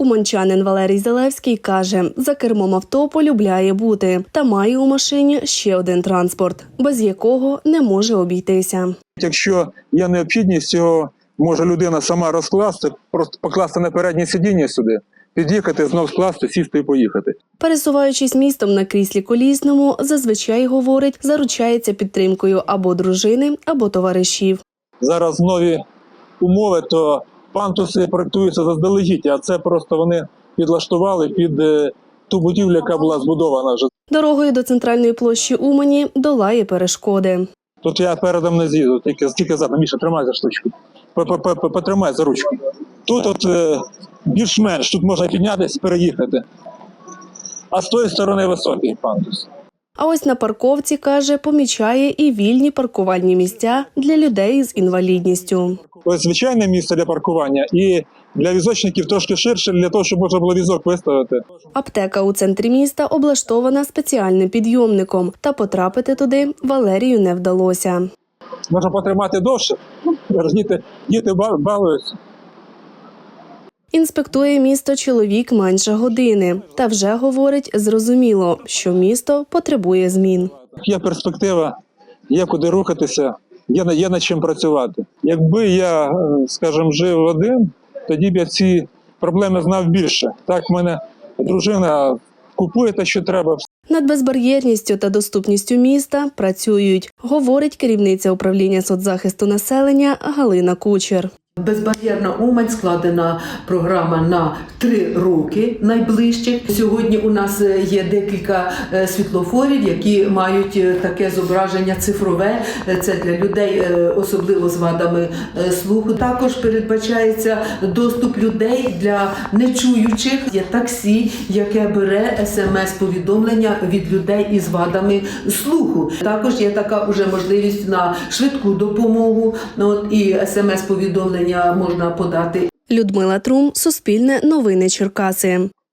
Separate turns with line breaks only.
Уманчанин Валерій Залевський каже, за кермом авто полюбляє бути та має у машині ще один транспорт, без якого не може обійтися.
Якщо є необхідність, його може людина сама розкласти, просто покласти на переднє сидіння сюди, під'їхати, знов скласти, сісти і поїхати.
Пересуваючись містом на кріслі колісному, зазвичай, говорить, заручається підтримкою або дружини, або товаришів.
Зараз нові умови, то пантуси проєктуються заздалегідь, а це просто вони підлаштували під ту будівлю, яка була збудована вже.
Дорогою до центральної площі Умані долає перешкоди.
Тут я передом не з'їду, тільки задом. Міша, тримай за штучку. Потримай за ручку. Тут більш-менш, тут можна піднятися, переїхати. А з тої сторони високий пандус.
А ось на парковці, каже, помічає і вільні паркувальні місця для людей з інвалідністю.
Ось звичайне місце для паркування і для візочників трошки ширше, для того, щоб можна було візок виставити. Аптека
у центрі міста облаштована спеціальним підйомником, та потрапити туди Валерію не вдалося.
Можна потримати довше, діти балуються.
Інспектує місто чоловік менше години. Та вже, говорить, зрозуміло, що місто потребує змін.
Є перспектива, є куди рухатися, є над чим працювати. Якби я, скажімо, жив один, тоді б я ці проблеми знав більше. Так, в мене дружина купує те, що треба.
Над безбар'єрністю та доступністю міста працюють, говорить керівниця управління соцзахисту населення Галина Кучер.
Безбар'єрна Умань складена програма на 3 роки найближчих. Сьогодні у нас є декілька світлофорів, які мають таке зображення цифрове. Це для людей, особливо з вадами слуху. Також передбачається доступ людей для нечуючих. Є таксі, яке бере смс-повідомлення від людей із вадами слуху. Також є така вже можливість на швидку допомогу, і смс-повідомлення можна подати.
Людмила Трум, Суспільне новини Черкаси.